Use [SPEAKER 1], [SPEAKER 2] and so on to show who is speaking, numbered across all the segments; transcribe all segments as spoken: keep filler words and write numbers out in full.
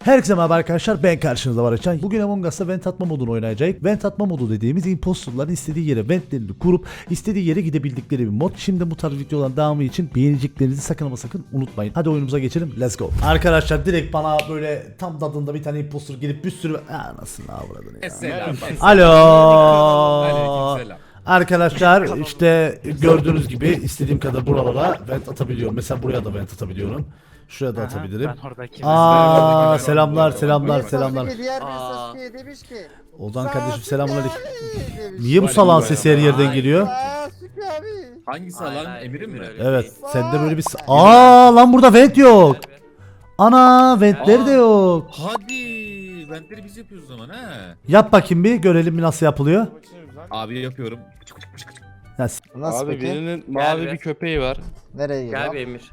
[SPEAKER 1] Herkese merhaba arkadaşlar, ben karşınızda var Açan. Bugün Among Us'ta vent atma modunu oynayacağız. Vent atma modu dediğimiz imposterların istediği yere ventlerini kurup istediği yere gidebildikleri bir mod. Şimdi bu tarz videoların devamı için beğeneceklerinizi sakın ama sakın unutmayın. Hadi oyunumuza geçelim, let's go. Arkadaşlar direkt bana böyle tam tadında bir tane imposter gelip bir sürü... Aa, nasıl avradını ya.
[SPEAKER 2] Selam.
[SPEAKER 1] Alo.
[SPEAKER 2] Aleykümselam.
[SPEAKER 1] Arkadaşlar işte gördüğünüz gibi istediğim kadar buralara vent atabiliyorum. Mesela buraya da vent atabiliyorum. Şuraya da
[SPEAKER 3] Aha,
[SPEAKER 1] atabilirim.
[SPEAKER 3] Ben oradaki
[SPEAKER 1] Aa selamlar selamlar selamlar.
[SPEAKER 4] Sasuke diğer bir
[SPEAKER 3] Aa.
[SPEAKER 4] Sasuke'ye demiş ki
[SPEAKER 1] Ozan kardeşim
[SPEAKER 4] Sasuke
[SPEAKER 1] selamünaleyküm.
[SPEAKER 4] abi demiş.
[SPEAKER 1] Niye bu salağın sesi her yerden geliyor?
[SPEAKER 4] Sasuke abi.
[SPEAKER 2] Hangisi lan? Emir'in mi?
[SPEAKER 1] Evet, sende böyle bir... Aa lan burada vent yok. Ana ventleri de yok.
[SPEAKER 2] Hadi. Ventleri biz yapıyoruz o zaman ha.
[SPEAKER 1] Yap bakayım bir görelim bir nasıl yapılıyor.
[SPEAKER 2] Abi yapıyorum.
[SPEAKER 1] Ya, s-
[SPEAKER 4] Nasıl
[SPEAKER 5] Abi
[SPEAKER 4] peki?
[SPEAKER 5] birinin mavi
[SPEAKER 3] be.
[SPEAKER 5] bir köpeği var.
[SPEAKER 4] Nereye
[SPEAKER 3] Gel
[SPEAKER 4] gidiyor?
[SPEAKER 3] bir Emir.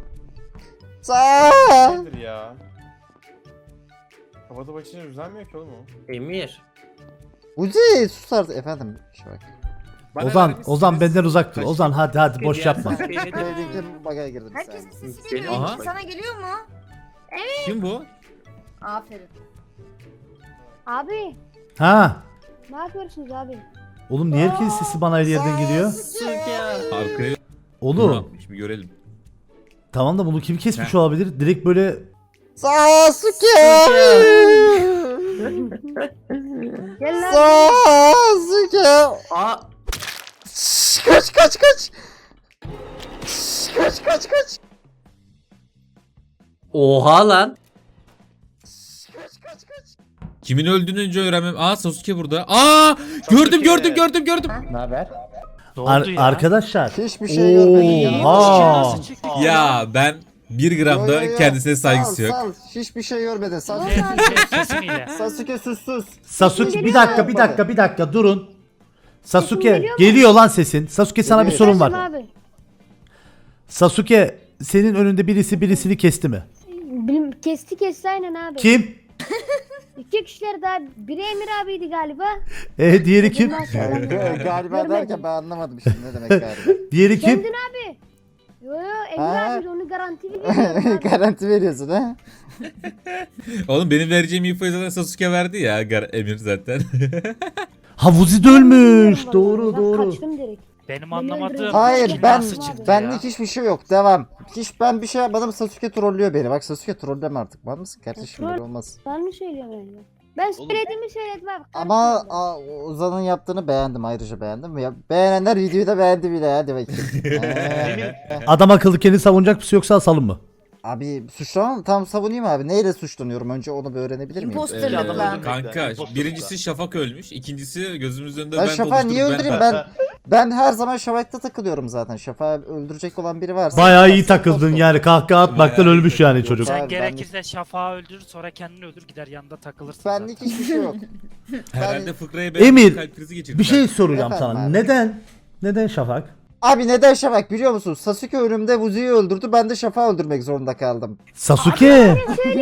[SPEAKER 4] Sa
[SPEAKER 6] Nedir ya? Havada başına düzenmiyor ki oğlum o.
[SPEAKER 3] Emir.
[SPEAKER 4] Uzi sus artık efendim. Şu bak.
[SPEAKER 2] Bana
[SPEAKER 1] Ozan
[SPEAKER 2] vermişsiniz.
[SPEAKER 1] Ozan benden uzak dur.
[SPEAKER 2] Kaç-
[SPEAKER 1] Ozan hadi hadi boş yapma.
[SPEAKER 4] Söylediklerim bagaya girdim bir
[SPEAKER 7] Herkesin
[SPEAKER 4] saniye.
[SPEAKER 7] sesi geliyor.
[SPEAKER 2] Aha.
[SPEAKER 7] Sana geliyor mu?
[SPEAKER 2] Kim bu?
[SPEAKER 7] Aferin.
[SPEAKER 8] Abi
[SPEAKER 1] Ha.
[SPEAKER 8] ne yapıyorsunuz abi?
[SPEAKER 1] Oğlum niye herkesin sesi bana her yerden geliyor?
[SPEAKER 2] Arkaya
[SPEAKER 1] Oğlum
[SPEAKER 2] bir görelim.
[SPEAKER 1] tamam da bunu kim kesmiş olabilir? Direkt böyle
[SPEAKER 4] Sasuke abi.
[SPEAKER 8] Gel lan.
[SPEAKER 4] Sasuke.
[SPEAKER 3] Aa.
[SPEAKER 4] Şşş, kaç kaç kaç. Şşş, kaç kaç kaç.
[SPEAKER 3] Oha lan.
[SPEAKER 4] Şşş, kaç kaç kaç.
[SPEAKER 2] Kimin öldüğünü önce öğrenmem. Aa Sasuke burada. Aa gördüm gördüm gördüm gördüm.
[SPEAKER 3] Ne haber?
[SPEAKER 1] Ar- arkadaşlar.
[SPEAKER 4] Hiçbir şey görmedim.
[SPEAKER 1] Oha.
[SPEAKER 2] Ya ben bir gram
[SPEAKER 4] Yo,
[SPEAKER 2] da
[SPEAKER 4] yo, yo.
[SPEAKER 2] kendisine
[SPEAKER 4] Sal,
[SPEAKER 2] saygısı yok.
[SPEAKER 4] sal. Hiçbir şey görmedin. Sasuke,
[SPEAKER 3] Sesiniyle.
[SPEAKER 4] Sasuke sus sus.
[SPEAKER 1] Sasuke bir dakika bir dakika bir dakika durun. Sasuke
[SPEAKER 8] geliyor mu?
[SPEAKER 1] geliyor lan sesin. Sasuke sana bir
[SPEAKER 4] Geliyor.
[SPEAKER 1] sorun
[SPEAKER 8] Kaçın
[SPEAKER 1] var.
[SPEAKER 8] abi.
[SPEAKER 1] Sasuke senin önünde birisi birisini kesti mi?
[SPEAKER 8] Bilim, kesti kesti aynen abi.
[SPEAKER 1] Kim?
[SPEAKER 8] İki kişiler daha. Biri Emir abiydi galiba.
[SPEAKER 1] E diğeri kim?
[SPEAKER 8] Bundan sonra ben-
[SPEAKER 4] Ga- galiba
[SPEAKER 8] Görmedim.
[SPEAKER 4] derken ben anlamadım şimdi ne demek galiba.
[SPEAKER 1] Diğeri kim?
[SPEAKER 8] Kendin abi. Yo yo Emir
[SPEAKER 4] Ha.
[SPEAKER 8] abi onu garanti veriyorum abi.
[SPEAKER 4] Garanti veriyorsun ha?
[SPEAKER 2] Oğlum benim vereceğim infoyu zaten Sasuke verdi ya. Gar- Emir zaten.
[SPEAKER 1] Havuzi de ölmüş.
[SPEAKER 8] Vallahi,
[SPEAKER 1] Doğru
[SPEAKER 8] ben
[SPEAKER 1] doğru.
[SPEAKER 8] Kaçtım direkt.
[SPEAKER 3] Benim anlamadığım
[SPEAKER 4] Hayır
[SPEAKER 3] kim
[SPEAKER 4] ben
[SPEAKER 3] nasıl çıktı
[SPEAKER 4] benlik
[SPEAKER 3] ya?
[SPEAKER 4] hiçbir şey yok. Devam. Hiç ben bir şey yapmadım. Sasuke trollüyor beni. Bak Sasuke trolleme artık. Var mısın kardeşim?
[SPEAKER 8] Troll-
[SPEAKER 4] Böyle olmaz.
[SPEAKER 8] Ben mi söylüyorum öyle? Ben söylediğimi söyledim abi.
[SPEAKER 4] Ama
[SPEAKER 8] karışma.
[SPEAKER 4] a, Ozan'ın yaptığını beğendim. Ayrıca beğendim. Ya, beğenenler videoyu da beğendi bile. Hadi bakayım. Ee,
[SPEAKER 1] Adam akıllı kendini savunacak mısın yoksa asalım mı?
[SPEAKER 4] abi suçlamam. Tam savunayım abi. Neyle suçlanıyorum? Önce onu bir öğrenebilir miyim?
[SPEAKER 7] Imposterlıkla.
[SPEAKER 2] Kanka birincisi Şafak ölmüş. İkincisi gözümüzün önünde
[SPEAKER 4] Ben
[SPEAKER 2] ben
[SPEAKER 4] Şafak'ı niye
[SPEAKER 2] oluşturup
[SPEAKER 4] öldüreyim? Ben ben her zaman Şafak'ta takılıyorum zaten. Şafak'ı öldürecek olan biri varsa.
[SPEAKER 1] Bayağı iyi takıldın yani. Kahkaha atmaktan
[SPEAKER 2] Bayağı
[SPEAKER 1] ölmüş yani çocuk.
[SPEAKER 4] Abi,
[SPEAKER 3] Sen
[SPEAKER 4] ben-
[SPEAKER 3] gerekirse Şafak'ı öldürür sonra kendini öldür gider yanında takılırsın
[SPEAKER 4] Benlik
[SPEAKER 3] zaten.
[SPEAKER 4] hiçbir şey yok.
[SPEAKER 2] Herhalde fıkraya
[SPEAKER 1] Emir,
[SPEAKER 2] ben kalp krizi geçirdim.
[SPEAKER 1] Bir şey soracağım
[SPEAKER 4] Efendim
[SPEAKER 1] sana.
[SPEAKER 4] abi.
[SPEAKER 1] Neden? Neden Şafak?
[SPEAKER 4] Abi neden Şafak biliyor musun? Sasuke önümde Vuzi'yi öldürdü. Ben de Şafak'ı öldürmek zorunda kaldım.
[SPEAKER 1] Sasuke.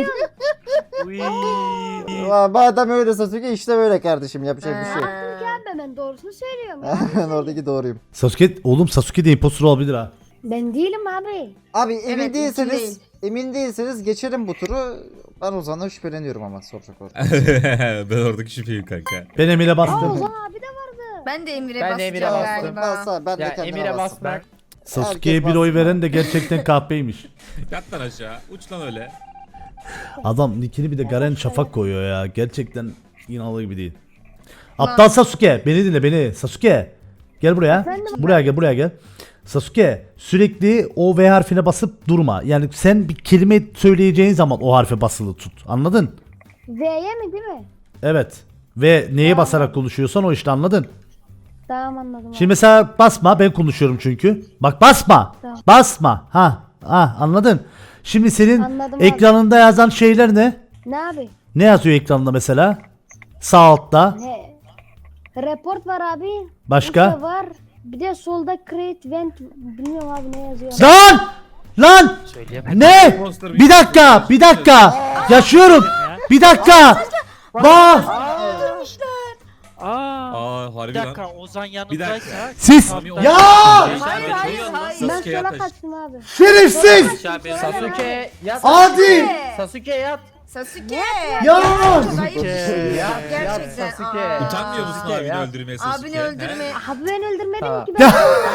[SPEAKER 3] Uy.
[SPEAKER 4] Aa, madem öyle Sasuke işte böyle kardeşim. Yapacak bir şey yok.
[SPEAKER 8] Abi ben doğrusunu söylüyorum ya.
[SPEAKER 4] Ben oradaki doğruyum.
[SPEAKER 1] Sasuke oğlum Sasuke de impostor olabilir ha.
[SPEAKER 8] Ben değilim abi.
[SPEAKER 4] Abi emin
[SPEAKER 7] Evet,
[SPEAKER 4] değilseniz
[SPEAKER 7] değil.
[SPEAKER 4] emin değilseniz geçelim bu turu. Ben Ozan'dan şüpheleniyorum ama soracak orada.
[SPEAKER 2] Ben oradaki şüpheyim kanka.
[SPEAKER 1] Ben Emir'e
[SPEAKER 8] Aa
[SPEAKER 1] bastım.
[SPEAKER 8] Ozan abi de vardı.
[SPEAKER 7] Ben de Emir'e
[SPEAKER 5] Ben de
[SPEAKER 7] basacağım
[SPEAKER 5] Emir'e bastım.
[SPEAKER 7] galiba.
[SPEAKER 4] Bassa ben de
[SPEAKER 5] Ya
[SPEAKER 4] kendime
[SPEAKER 5] Emir'e
[SPEAKER 4] bastım.
[SPEAKER 5] bas ben.
[SPEAKER 1] Sasuke'ye
[SPEAKER 4] Herkes
[SPEAKER 1] bir oy
[SPEAKER 4] bastı.
[SPEAKER 1] veren de gerçekten kahpeymiş.
[SPEAKER 2] Yat lan aşağı. Uç lan öyle.
[SPEAKER 1] Adam nickini bir de Garen Şafak koyuyor ya. Gerçekten inanılır gibi değil. Aptal Sasuke. Beni dinle beni. Sasuke. Gel buraya.
[SPEAKER 8] Efendim?
[SPEAKER 1] Buraya gel buraya gel. Sasuke sürekli o V harfine basıp durma. Yani sen bir kelime söyleyeceğin zaman o harfe basılı tut. Anladın?
[SPEAKER 8] V'ye mi değil mi?
[SPEAKER 1] Evet. Ve neye basarak konuşuyorsan o işte anladın.
[SPEAKER 8] Tamam anladım.
[SPEAKER 1] Şimdi mesela basma ben konuşuyorum çünkü. Bak basma.
[SPEAKER 8] Tamam.
[SPEAKER 1] Basma. Ha. Ha anladın. Şimdi senin
[SPEAKER 8] Anladım abi.
[SPEAKER 1] ekranında yazan şeyler ne?
[SPEAKER 8] Ne abi?
[SPEAKER 1] Ne yazıyor ekranda mesela? Sağ altta.
[SPEAKER 8] Ne? Report var abi.
[SPEAKER 1] Başka?
[SPEAKER 8] Usta var. Bir de solda create vent bilmiyorum abi ne yazıyor.
[SPEAKER 1] Lan! Lan!
[SPEAKER 3] Söyleyemem.
[SPEAKER 1] Ne? Bir dakika, bir dakika. Yaşıyorum. Bir dakika. Bak.
[SPEAKER 3] Aa.
[SPEAKER 2] Aa harbi
[SPEAKER 3] Bir
[SPEAKER 2] lan.
[SPEAKER 3] dakika Ozan
[SPEAKER 2] Bir
[SPEAKER 3] yanındaysa.
[SPEAKER 2] dakika.
[SPEAKER 1] Siz
[SPEAKER 3] Tamam,
[SPEAKER 1] ya
[SPEAKER 7] Hayır hayır hayır.
[SPEAKER 8] Ben
[SPEAKER 2] Sasuke'ye
[SPEAKER 8] sola
[SPEAKER 2] taş.
[SPEAKER 8] kaçtım abi.
[SPEAKER 1] şerefsiz.
[SPEAKER 5] Sasuke yat.
[SPEAKER 1] Adi.
[SPEAKER 5] Sasuke yat.
[SPEAKER 7] Sasuke.
[SPEAKER 1] Ya!
[SPEAKER 7] Çok ayıp bir
[SPEAKER 3] Sasuke.
[SPEAKER 7] şey.
[SPEAKER 6] Ya,
[SPEAKER 7] Gerçekten.
[SPEAKER 6] ya Sasuke.
[SPEAKER 7] Aa.
[SPEAKER 2] Utanmıyor musun
[SPEAKER 6] Sasuke
[SPEAKER 2] abini
[SPEAKER 6] ya.
[SPEAKER 2] öldürmeye Sasuke?
[SPEAKER 7] Abini öldürme.
[SPEAKER 8] Abi ben öldürmedim
[SPEAKER 6] Tamam.
[SPEAKER 8] ki ben.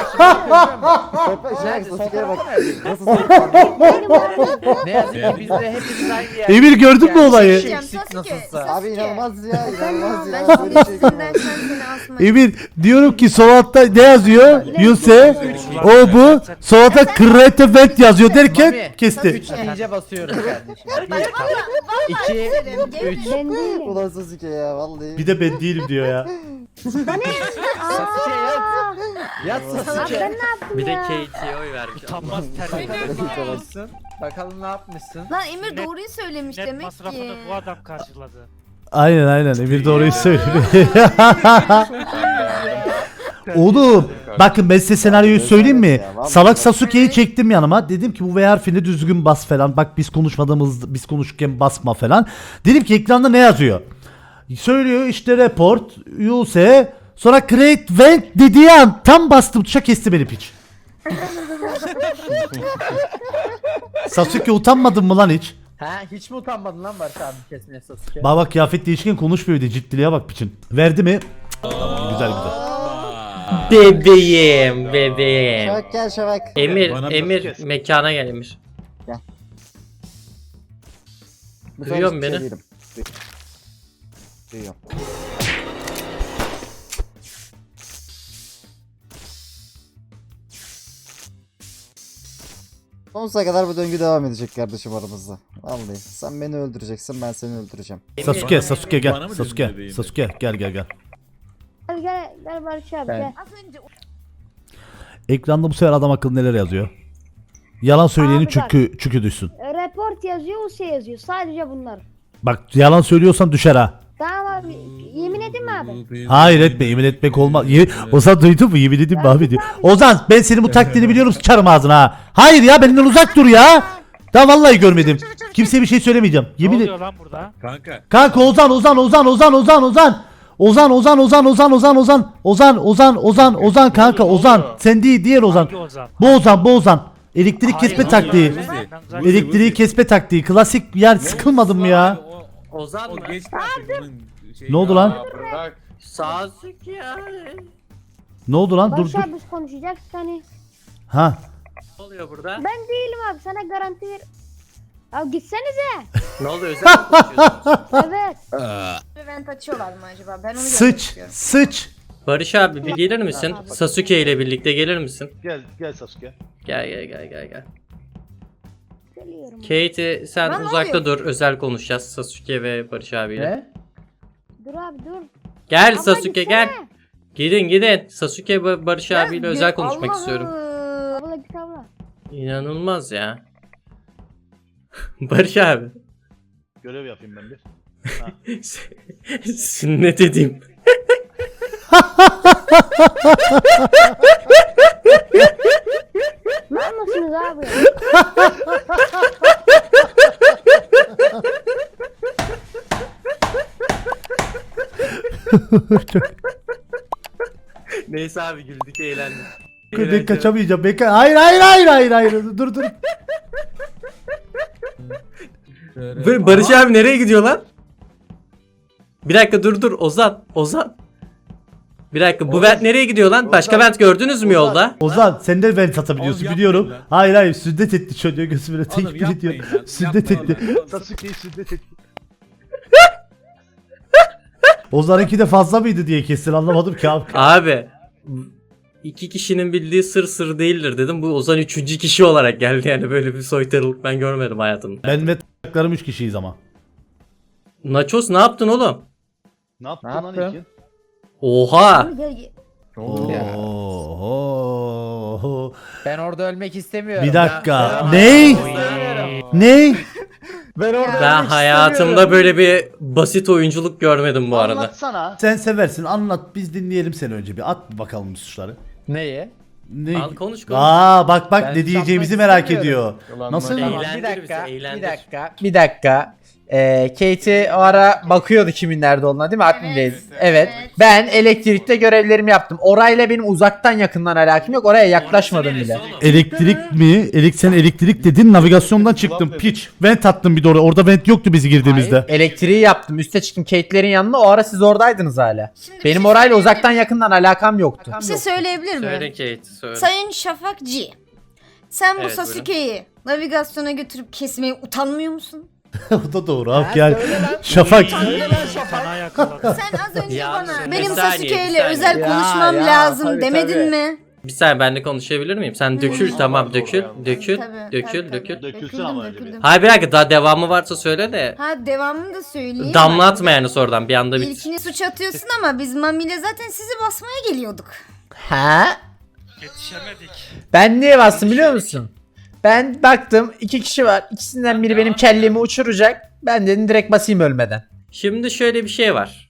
[SPEAKER 4] Şey, Sasuke'ye bak. Nasıl
[SPEAKER 8] Benim abi.
[SPEAKER 6] Ne yazık ki biz de hepimiz aynı yer.
[SPEAKER 1] Emir gördün mü olayı?
[SPEAKER 7] Diyeceğim, Sasuke.
[SPEAKER 6] Nasılsa.
[SPEAKER 4] Abi inanılmaz ya inanılmaz
[SPEAKER 7] Ben
[SPEAKER 4] ya.
[SPEAKER 7] şimdi
[SPEAKER 4] Böyle şey
[SPEAKER 7] üstünden sen seni asmak.
[SPEAKER 1] Emir diyorum ki sol altta ne yazıyor? Yuse o bu. Sol altta create vent yazıyor derken
[SPEAKER 6] Mami,
[SPEAKER 1] kesti.
[SPEAKER 6] Üç deyince basıyoruz kardeşim. Bir, iki, üç.
[SPEAKER 8] Ben değilim.
[SPEAKER 4] Ulan Sasuke ya vallahi.
[SPEAKER 1] Bir de ben değilim diyor ya.
[SPEAKER 6] Sasuke yat. Yat
[SPEAKER 8] Abi
[SPEAKER 6] Sasuke.
[SPEAKER 8] ben ne yaptım
[SPEAKER 5] Bir de
[SPEAKER 8] ya?
[SPEAKER 5] Kate'ye oy vermiş.
[SPEAKER 3] Utanmaz terbiyesiz.
[SPEAKER 6] Ne yapmışsın? Bakalım ne yapmışsın?
[SPEAKER 7] Lan Emir
[SPEAKER 3] Net-
[SPEAKER 7] doğruyu söylemiş
[SPEAKER 3] Net
[SPEAKER 7] demek
[SPEAKER 3] masrafını
[SPEAKER 7] ki.
[SPEAKER 3] bu adam karşıladı.
[SPEAKER 1] Aynen aynen Emir doğruyu söylüyor. Oğlum bakın ben size senaryoyu söyleyeyim mi? Salak Sasuke'yi çektim yanıma. Dedim ki bu V harfini düzgün bas falan. Bak biz konuşmadığımız biz konuşurken basma falan. Dedim ki ekranda ne yazıyor? Söylüyor işte report, use, sonra create vent dediği an tam bastım tuşa kesti beni piç. Sasuke utanmadın mı lan hiç?
[SPEAKER 6] Ha hiç mi utanmadın lan Barış abi kesmeye Sasuke?
[SPEAKER 1] Bak bak kıyafet değişken konuşmuyor diye ciddiliğe bak piçin. Verdi mi? Tamam güzel güzel.
[SPEAKER 5] Bebeğim, bebeğim.
[SPEAKER 4] Şavak gel Şavak.
[SPEAKER 5] Emir,
[SPEAKER 2] Bana
[SPEAKER 5] Emir
[SPEAKER 2] kes.
[SPEAKER 5] mekana gel Emir.
[SPEAKER 4] Bu
[SPEAKER 5] Duyuyor
[SPEAKER 4] sefer
[SPEAKER 5] musun
[SPEAKER 4] şey
[SPEAKER 5] beni?
[SPEAKER 4] değilim. Duyuyorum. Sonsuza kadar bu döngü devam edecek kardeşim aramızda. Vallahi sen beni öldüreceksin ben seni öldüreceğim.
[SPEAKER 1] Sasuke, Sasuke
[SPEAKER 2] Bana
[SPEAKER 1] gel.
[SPEAKER 2] mı
[SPEAKER 1] Sasuke,
[SPEAKER 2] dedin bebeğim?
[SPEAKER 1] Sasuke gel gel gel.
[SPEAKER 8] Gel gel gel Barış abi
[SPEAKER 6] Ben-
[SPEAKER 8] gel.
[SPEAKER 7] Az önce
[SPEAKER 1] Ekranda bu sefer adam akıllı neler yazıyor? Yalan söyleyenin
[SPEAKER 8] Abi bak.
[SPEAKER 1] çükü, çükü düşsün.
[SPEAKER 8] E, Report yazıyor, U S yazıyor. Sadece bunlar.
[SPEAKER 1] Bak yalan söylüyorsan düşer ha.
[SPEAKER 8] Tamam abi. Yemin edeyim mi abi?
[SPEAKER 1] Hayır etme yemin etmek olmaz. Ye- Ozan duydun mu yemin edeyim mi abi diyor. Ozan ben senin bu taktiğini biliyorum sıçarım ağzına ha. Hayır ya benden uzak dur ya. Daha vallahi görmedim. Kimseye bir şey söylemeyeceğim.
[SPEAKER 3] Ne
[SPEAKER 1] Yemin et.
[SPEAKER 3] oluyor lan burada?
[SPEAKER 2] Kanka.
[SPEAKER 1] Kanka Ozan Ozan Ozan Ozan Ozan Ozan. Ozan Ozan Ozan Ozan Ozan Ozan Ozan Ozan Ozan Ozan kanka Ozan. Sen değil diğer Ozan.
[SPEAKER 3] Hangi Ozan?
[SPEAKER 1] Bu Ozan bu Ozan. Elektrik
[SPEAKER 3] Hayır,
[SPEAKER 1] kesme
[SPEAKER 3] hayır,
[SPEAKER 1] taktiği.
[SPEAKER 3] hayır, hayır, ben zaten-
[SPEAKER 1] Elektriği kesme taktiği. Klasik yani sıkılmadın mı ya?
[SPEAKER 2] O,
[SPEAKER 5] Ozan
[SPEAKER 2] o
[SPEAKER 5] mı?
[SPEAKER 2] geçti artık onun şeyi.
[SPEAKER 1] Ne oldu lan?
[SPEAKER 6] Ya bırak.
[SPEAKER 5] Sasuke abi.
[SPEAKER 1] Ne oldu lan? Dur
[SPEAKER 8] Barış
[SPEAKER 1] dur.
[SPEAKER 8] abi biz konuşacaktık hani.
[SPEAKER 1] Ha.
[SPEAKER 5] Ne oluyor burada?
[SPEAKER 8] Ben değilim abi sana garanti ver. Ya gitsenize.
[SPEAKER 5] Ne oluyor? Özel mi konuşuyorsunuz?
[SPEAKER 8] Evet.
[SPEAKER 7] event açıyorlar mı acaba? Ben onu görmek
[SPEAKER 1] Sıç.
[SPEAKER 7] istiyorum.
[SPEAKER 1] Sıç.
[SPEAKER 5] Barış abi bir gelir misin? Sasuke ile birlikte gelir misin?
[SPEAKER 9] Gel gel Sasuke.
[SPEAKER 5] Gel gel gel gel gel.
[SPEAKER 8] Geliyorum.
[SPEAKER 5] Kate sen
[SPEAKER 7] Lan ne
[SPEAKER 5] uzakta
[SPEAKER 7] oluyor?
[SPEAKER 5] dur. Özel konuşacağız Sasuke ve Barış abiyle.
[SPEAKER 6] Ne?
[SPEAKER 8] Dur abi dur.
[SPEAKER 5] Gel
[SPEAKER 8] Abla
[SPEAKER 5] Sasuke
[SPEAKER 8] gitsene.
[SPEAKER 5] gel. Gidin gidin. Sasuke ve Barış
[SPEAKER 7] Ya,
[SPEAKER 5] abiyle
[SPEAKER 7] bir-
[SPEAKER 5] özel konuşmak
[SPEAKER 7] Allah'ım.
[SPEAKER 5] istiyorum.
[SPEAKER 8] Abla git abla.
[SPEAKER 5] İnanılmaz ya. Barış abi.
[SPEAKER 9] Görev yapayım ben bir.
[SPEAKER 5] Sünnet edeyim.
[SPEAKER 8] Ne anlasınız abi?
[SPEAKER 5] Neyse abi güldük eğlendik.
[SPEAKER 1] Ben kaçamayacağım. Ben ka- hayır hayır hayır hayır hayır. Dur dur.
[SPEAKER 5] Bar- Barış abi nereye gidiyor lan? Bir dakika dur dur Ozan. Ozan. Bir dakika bu vent nereye gidiyor lan? Başka
[SPEAKER 9] Ozan.
[SPEAKER 5] vent gördünüz mü yolda?
[SPEAKER 1] Ozan sen de vent atabiliyorsun
[SPEAKER 2] Oğlum,
[SPEAKER 1] biliyorum.
[SPEAKER 2] yapmayın lan.
[SPEAKER 1] Hayır hayır sünnet etti çocuğa gözümüne
[SPEAKER 2] Oğlum
[SPEAKER 1] tekbir ediyor.
[SPEAKER 2] yapmayın lan.
[SPEAKER 1] Sünnet
[SPEAKER 2] Yapma
[SPEAKER 1] etti.
[SPEAKER 2] lan.
[SPEAKER 9] Sasuke'yi sünnet et.
[SPEAKER 1] Ozan'ınki de fazla mıydı diye kesin anlamadım ki abi.
[SPEAKER 5] Abi. iki kişinin bildiği sır sır değildir dedim. Bu Ozan üçüncü kişi olarak geldi yani böyle bir soytarılık ben görmedim hayatımda.
[SPEAKER 1] Ben ve taklarım üç kişiyiz ama.
[SPEAKER 5] Nachos ne yaptın oğlum?
[SPEAKER 9] Ne yaptın
[SPEAKER 6] Ne
[SPEAKER 9] lan
[SPEAKER 6] yaptım?
[SPEAKER 9] ilkin?
[SPEAKER 5] Oha.
[SPEAKER 7] Abi gel- gel-
[SPEAKER 6] Ne oldu ya?
[SPEAKER 1] Oho.
[SPEAKER 6] Ben orada ölmek istemiyorum.
[SPEAKER 1] Bir dakika.
[SPEAKER 6] Ya.
[SPEAKER 1] Ney?
[SPEAKER 6] İstemiyorum.
[SPEAKER 1] Ney?
[SPEAKER 6] Ben orada
[SPEAKER 5] Ben
[SPEAKER 6] ölmek
[SPEAKER 5] hayatımda
[SPEAKER 6] istemiyorum.
[SPEAKER 5] böyle bir basit oyunculuk görmedim bu arada.
[SPEAKER 9] Anlatsana.
[SPEAKER 1] Sen seversin anlat biz dinleyelim seni önce bir at bakalım bu suçları.
[SPEAKER 6] Neyi?
[SPEAKER 1] Ne?
[SPEAKER 5] Al konuş konuş.
[SPEAKER 1] Aa bak bak
[SPEAKER 6] Ben
[SPEAKER 1] ne
[SPEAKER 6] hiç
[SPEAKER 1] diyeceğimizi
[SPEAKER 6] yapmak
[SPEAKER 1] merak ediyor.
[SPEAKER 6] istemiyorum.
[SPEAKER 9] Ulan
[SPEAKER 1] Nasıl?
[SPEAKER 9] bak-
[SPEAKER 6] Tamam,
[SPEAKER 5] Eğlendir
[SPEAKER 6] bir dakika,
[SPEAKER 5] bizi, eğlendir.
[SPEAKER 6] bir dakika, bir dakika. Ee, Katie o ara bakıyordu kimin nerede olduğuna değil mi? Admin'deyiz.
[SPEAKER 7] Evet,
[SPEAKER 6] Evet.
[SPEAKER 7] evet.
[SPEAKER 6] Ben elektrikte görevlerimi yaptım. Orayla benim uzaktan yakından alakam yok. Oraya yaklaşmadım bile.
[SPEAKER 1] Elektrik mi? Elik sen elektrik dedin, navigasyondan çıktım. Piç. Vent attım bir de oraya. Orada vent yoktu biz girdiğimizde.
[SPEAKER 6] Hayır, elektriği yaptım. Üste çıktım Kate'lerin yanına. O ara siz oradaydınız hala.
[SPEAKER 7] Şimdi bir
[SPEAKER 6] Benim
[SPEAKER 7] şey
[SPEAKER 6] orayla
[SPEAKER 7] söyleyebilir
[SPEAKER 6] uzaktan
[SPEAKER 7] miyim?
[SPEAKER 6] yakından alakam yoktu.
[SPEAKER 7] Bir şey söyleyebilir
[SPEAKER 5] Söyle
[SPEAKER 7] miyim?
[SPEAKER 5] Kate söyle.
[SPEAKER 7] Sayın Şafak G. Sen bu
[SPEAKER 5] Evet,
[SPEAKER 7] Sasuke'yi navigasyona götürüp kesmeye utanmıyor musun?
[SPEAKER 1] O da doğru abi yani. Şafak.
[SPEAKER 3] Sana yakaladı.
[SPEAKER 7] Sen az önce
[SPEAKER 5] Ya,
[SPEAKER 7] bana
[SPEAKER 5] bir
[SPEAKER 7] benim
[SPEAKER 5] saniye,
[SPEAKER 7] Sasuke
[SPEAKER 5] bir
[SPEAKER 7] ile
[SPEAKER 5] saniye.
[SPEAKER 7] özel
[SPEAKER 6] Ya,
[SPEAKER 7] konuşmam
[SPEAKER 6] ya,
[SPEAKER 7] lazım
[SPEAKER 6] tabii,
[SPEAKER 7] demedin
[SPEAKER 6] tabii.
[SPEAKER 7] mi?
[SPEAKER 5] Bir saniye ben de konuşabilir miyim? Sen dökül tamam dökül dökül
[SPEAKER 7] Tabii,
[SPEAKER 5] dökül
[SPEAKER 7] tabii,
[SPEAKER 5] dökül.
[SPEAKER 7] tabii.
[SPEAKER 9] Dökülsün
[SPEAKER 7] Döküldüm,
[SPEAKER 9] ama önce bir.
[SPEAKER 7] döküldüm.
[SPEAKER 5] Hayır bir dakika daha devamı varsa söyle de.
[SPEAKER 7] Ha devamını da söyleyeyim.
[SPEAKER 5] Damlatma yani sonradan bir anda bit.
[SPEAKER 7] İlkini suç atıyorsun ama biz Mami ile zaten sizi basmaya geliyorduk.
[SPEAKER 6] Ha?
[SPEAKER 3] Yetişemedik.
[SPEAKER 6] Ben niye bastım biliyor musun? Ben baktım iki kişi var. İkisinden biri benim kellemi uçuracak. Ben dedim direkt basayım ölmeden.
[SPEAKER 5] Şimdi şöyle bir şey var.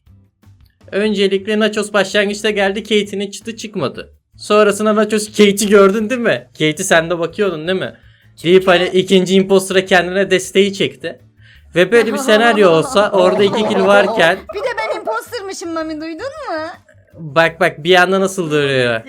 [SPEAKER 5] Öncelikle Nachos başlangıçta geldi, Kate'nin çıtı çıkmadı. Sonrasında Nachos Kate'i gördün değil mi? Kate'i sen de bakıyordun değil mi? Deyip hani ikinci impostora kendine desteği çekti. Ve böyle bir senaryo olsa orada iki kill varken
[SPEAKER 7] Bir de ben impostermışım Mami, duydun mu?
[SPEAKER 5] bak bak bir anda nasıl duruyor.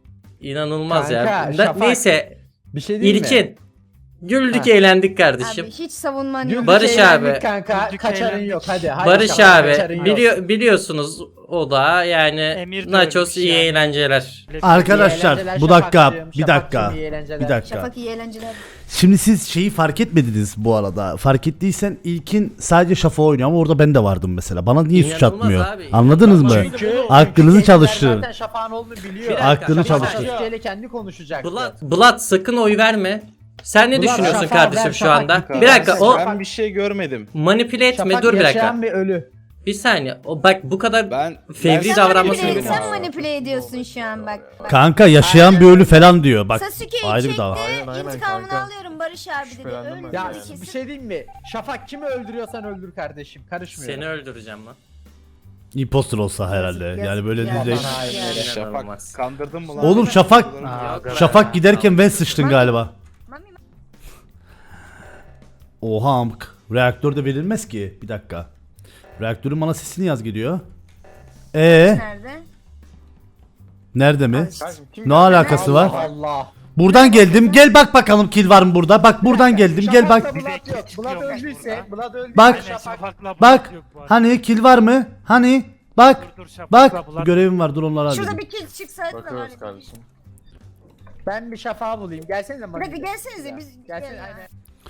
[SPEAKER 5] İnanılmaz ya.
[SPEAKER 6] Kanka,
[SPEAKER 5] Ne-
[SPEAKER 6] Şafak,
[SPEAKER 5] Neyse
[SPEAKER 6] Bir şey değil mi?
[SPEAKER 5] İlkin. Güldük
[SPEAKER 6] Ha.
[SPEAKER 5] eğlendik kardeşim.
[SPEAKER 7] Abi hiç savunman
[SPEAKER 6] Güldük,
[SPEAKER 7] yok.
[SPEAKER 5] Barış
[SPEAKER 6] eğlendik
[SPEAKER 5] abi.
[SPEAKER 6] Kanka
[SPEAKER 3] Güldük,
[SPEAKER 6] kaçarın
[SPEAKER 3] eğlendik.
[SPEAKER 6] yok hadi. hadi
[SPEAKER 5] Barış
[SPEAKER 6] Şafak,
[SPEAKER 5] abi
[SPEAKER 6] kaçarın yok.
[SPEAKER 5] biliyor, biliyorsunuz o da yani
[SPEAKER 3] Emir de
[SPEAKER 5] Nachos
[SPEAKER 3] ölmüş
[SPEAKER 5] iyi
[SPEAKER 3] yani.
[SPEAKER 5] eğlenceler.
[SPEAKER 6] İyi
[SPEAKER 1] Arkadaşlar
[SPEAKER 6] eğlenceler
[SPEAKER 1] bu dakika
[SPEAKER 6] Şafakcığım,
[SPEAKER 1] bir dakika
[SPEAKER 6] Şafakcığım, iyi eğlenceler.
[SPEAKER 1] bir dakika.
[SPEAKER 7] Şafak iyi eğlenceler.
[SPEAKER 1] Şimdi siz şeyi fark etmediniz bu arada. Fark ettiysen ilkin sadece Şafak oynuyor ama orada ben de vardım mesela. Bana niye suç
[SPEAKER 5] İnanılmaz
[SPEAKER 1] atmıyor?
[SPEAKER 5] abi,
[SPEAKER 1] Anladınız mı?
[SPEAKER 5] inanılmaz.
[SPEAKER 6] Çünkü
[SPEAKER 1] Aklınızı
[SPEAKER 6] çünkü
[SPEAKER 1] çalıştırın.
[SPEAKER 6] Zaten Şafak'ın olduğunu biliyor.
[SPEAKER 5] Bir dakika,
[SPEAKER 1] Aklını
[SPEAKER 6] Şafak
[SPEAKER 1] çalıştır.
[SPEAKER 6] Sasuke'yle kendi konuşacaktı.
[SPEAKER 5] Blood, Blood sakın oy verme. Sen ne
[SPEAKER 6] Blood,
[SPEAKER 5] düşünüyorsun
[SPEAKER 6] Şafak,
[SPEAKER 5] kardeşim
[SPEAKER 6] ver,
[SPEAKER 5] şu
[SPEAKER 6] Şafak,
[SPEAKER 5] anda?
[SPEAKER 6] bir
[SPEAKER 5] Bir dakika o
[SPEAKER 10] Ben bir şey görmedim.
[SPEAKER 5] manipüle etme,
[SPEAKER 6] Şafak
[SPEAKER 5] dur bir dakika.
[SPEAKER 6] yaşayan bir ölü.
[SPEAKER 5] Bir saniye. O bak bu kadar
[SPEAKER 10] Ben
[SPEAKER 5] Fevri
[SPEAKER 10] ben-
[SPEAKER 7] Sen
[SPEAKER 5] davranması
[SPEAKER 7] manipüle,
[SPEAKER 5] gerekiyor.
[SPEAKER 7] sen manipüle ediyorsun şu an bak. bak.
[SPEAKER 1] Kanka yaşayan bir ölü falan diyor. Bak
[SPEAKER 7] Sasuke'yi
[SPEAKER 1] ayrı bir
[SPEAKER 7] çekti,
[SPEAKER 1] dava.
[SPEAKER 7] intikamını alıyorum Barış abi dedi.
[SPEAKER 10] Şüphelendim
[SPEAKER 7] Öldü
[SPEAKER 10] ben
[SPEAKER 6] Ya
[SPEAKER 10] yani.
[SPEAKER 7] kesin.
[SPEAKER 6] bir şey diyeyim mi? Şafak kimi öldürüyorsan öldür kardeşim. Karışmıyorum.
[SPEAKER 5] Seni öldüreceğim lan.
[SPEAKER 1] Imposter olsa herhalde.
[SPEAKER 7] Yazık,
[SPEAKER 1] Yani böyle
[SPEAKER 7] yazık.
[SPEAKER 1] diyecek.
[SPEAKER 7] Bana hayır,
[SPEAKER 6] yani.
[SPEAKER 10] Şafak
[SPEAKER 5] İnanılmaz.
[SPEAKER 10] kandırdın mı lan?
[SPEAKER 1] Oğlum Şafak
[SPEAKER 6] Aa,
[SPEAKER 1] Şafak giderken ben sıçtın galiba.
[SPEAKER 7] Mami,
[SPEAKER 1] Oha amk. Reaktörde verilmez ki. Bir dakika. Reaktörün bana sesini yaz gidiyor. Ee,
[SPEAKER 7] nerede?
[SPEAKER 1] nerede mi?
[SPEAKER 10] Kardeşim, kim
[SPEAKER 1] Ne alakası var?
[SPEAKER 6] Allah.
[SPEAKER 1] Buradan geldim. Gel bak bakalım kill var mı burada? Bak buradan geldim. Gel bak.
[SPEAKER 6] Şafak'la Blood yok. Blood öldüyse, Blood öldüyse
[SPEAKER 1] Bak.
[SPEAKER 6] Şafak.
[SPEAKER 3] Şafak'la
[SPEAKER 1] Bak.
[SPEAKER 3] Bulat yok bu arada.
[SPEAKER 1] Hani kill var mı? Hani? Bak.
[SPEAKER 3] Dur, dur, Şafak'la
[SPEAKER 1] Bak.
[SPEAKER 3] Bulat-
[SPEAKER 1] Görevim var. Dur onları
[SPEAKER 7] Şurada
[SPEAKER 1] halledeyim.
[SPEAKER 7] bir kill çıksaydı da var.
[SPEAKER 10] kardeşim.
[SPEAKER 6] Ben bir Şafak'ı bulayım. Gelsene
[SPEAKER 7] Bir
[SPEAKER 6] bana.
[SPEAKER 7] dakika gelsenize biz.
[SPEAKER 6] Gelsene
[SPEAKER 7] Gel ya.
[SPEAKER 6] aynen.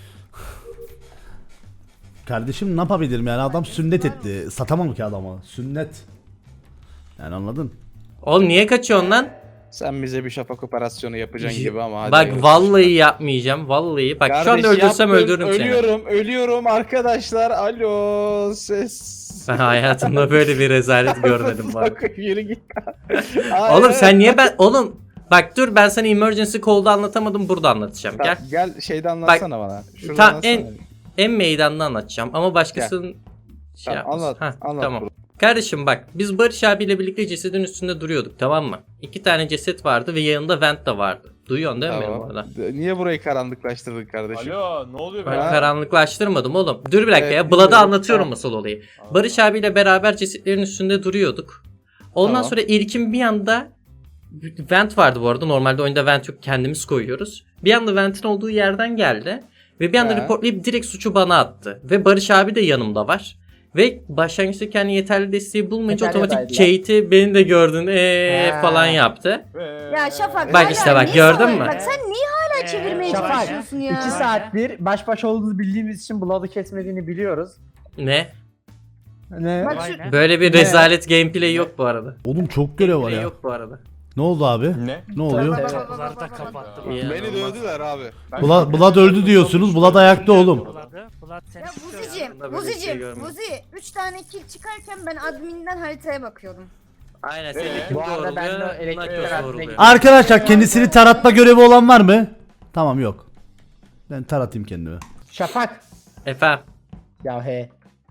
[SPEAKER 1] Kardeşim ne yapabilirim yani adam sünnet etti. Satamam ki adama. Sünnet. Yani anladın?
[SPEAKER 5] Oğlum niye kaçıyorsun lan?
[SPEAKER 10] Sen bize bir şafak operasyonu yapacaksın gibi ama hadi.
[SPEAKER 5] Bak
[SPEAKER 10] hayırlısı.
[SPEAKER 5] vallahi yapmayacağım. Vallahi. Bak şu anda
[SPEAKER 10] Kardeş,
[SPEAKER 5] öldürsem
[SPEAKER 10] yaptım,
[SPEAKER 5] öldürürüm seni.
[SPEAKER 10] Ölüyorum, ölüyorum arkadaşlar. Alo, ses.
[SPEAKER 5] Ben hayatımda böyle bir rezalet görmedim bu arada.
[SPEAKER 10] Bak, yürü git.
[SPEAKER 5] Oğlum sen niye ben... Oğlum bak dur ben sana emergency call'da anlatamadım, burada anlatacağım. Gel.
[SPEAKER 10] Gel. Gel şeyde anlatsana bana. Şurada
[SPEAKER 5] Ta,
[SPEAKER 10] anlatsana.
[SPEAKER 5] en, en meydanda anlatacağım ama başkasının şey
[SPEAKER 10] Tamam,
[SPEAKER 5] yapmasın.
[SPEAKER 10] anlat,
[SPEAKER 5] Hah,
[SPEAKER 10] anlat
[SPEAKER 5] tamam.
[SPEAKER 10] bunu.
[SPEAKER 5] Kardeşim bak biz Barış abiyle birlikte cesedin üstünde duruyorduk, tamam mı? İki tane ceset vardı ve yanında vent de vardı. Duyuyorsun değil mi benim
[SPEAKER 10] Tamam.
[SPEAKER 5] orada?
[SPEAKER 10] Niye burayı karanlıklaştırdın kardeşim?
[SPEAKER 9] Alo ne oluyor
[SPEAKER 5] Ben
[SPEAKER 10] Ha?
[SPEAKER 5] karanlıklaştırmadım oğlum. Dur bir dakika
[SPEAKER 10] Evet,
[SPEAKER 5] ya. Blad'a
[SPEAKER 10] biliyorum.
[SPEAKER 5] anlatıyorum
[SPEAKER 10] Tamam.
[SPEAKER 5] asıl olayı. Barış abiyle beraber cesetlerin üstünde duruyorduk. Ondan
[SPEAKER 10] Tamam.
[SPEAKER 5] sonra İlkin bir anda vent vardı bu arada. Normalde oyunda vent yok, kendimiz koyuyoruz. Bir anda ventin olduğu yerden geldi. Ve bir anda
[SPEAKER 10] He.
[SPEAKER 5] reportlayıp direkt suçu bana attı. Ve Barış abi de yanımda var. Ve başlangıçta kendi yeterli desteği bulmayınca otomatik
[SPEAKER 6] Antalya'daydılar.
[SPEAKER 5] Kate'i beni de gördün ee
[SPEAKER 6] Ha.
[SPEAKER 5] falan yaptı.
[SPEAKER 7] Ya Şafak.
[SPEAKER 5] Bak
[SPEAKER 7] hala
[SPEAKER 5] işte bak,
[SPEAKER 7] niye
[SPEAKER 5] gördün
[SPEAKER 7] savaş-
[SPEAKER 5] mü?
[SPEAKER 7] Bak sen niye hala çevirmeye
[SPEAKER 6] Şafak,
[SPEAKER 7] çalışıyorsun ya?
[SPEAKER 6] İki saattir baş başa olduğunuzu bildiğimiz için Blood'u kesmediğini biliyoruz.
[SPEAKER 5] Ne?
[SPEAKER 6] Ne?
[SPEAKER 7] Bak
[SPEAKER 3] Vay
[SPEAKER 7] şu-
[SPEAKER 3] ne?
[SPEAKER 5] Böyle bir
[SPEAKER 6] Ne?
[SPEAKER 5] rezalet gameplay yok bu arada.
[SPEAKER 1] Oğlum çok görev var
[SPEAKER 5] Gameplay
[SPEAKER 1] ya.
[SPEAKER 5] yok bu arada.
[SPEAKER 1] Ne oldu abi?
[SPEAKER 10] Ne?
[SPEAKER 1] Ne oluyor?
[SPEAKER 6] Evet.
[SPEAKER 3] Kapıları da kapattı.
[SPEAKER 5] İyi.
[SPEAKER 10] Beni dövdüler abi.
[SPEAKER 1] Blood, Blood öldü diyorsunuz. Blood ayakta oğlum.
[SPEAKER 3] Bulat'ı, Bulat seni
[SPEAKER 7] Ya
[SPEAKER 3] tutuyor
[SPEAKER 7] Vuzi'cim,
[SPEAKER 5] Hayatımda böyle bir şey
[SPEAKER 7] Vuzi'cim,
[SPEAKER 5] görmedim.
[SPEAKER 7] Vuzi üç tane kill çıkarken ben adminden haritaya bakıyordum.
[SPEAKER 5] Aynen
[SPEAKER 10] Ee,
[SPEAKER 5] seni kim
[SPEAKER 6] bu arada ben de
[SPEAKER 5] doğruluyor?
[SPEAKER 6] elektrik
[SPEAKER 5] Nachos
[SPEAKER 6] tarafına
[SPEAKER 5] doğruluyor.
[SPEAKER 6] gittim.
[SPEAKER 1] Arkadaşlar kendisini taratma görevi olan var mı? Tamam yok. Ben taratayım kendimi.
[SPEAKER 6] Şafak.
[SPEAKER 5] Efendim.
[SPEAKER 6] Ya he.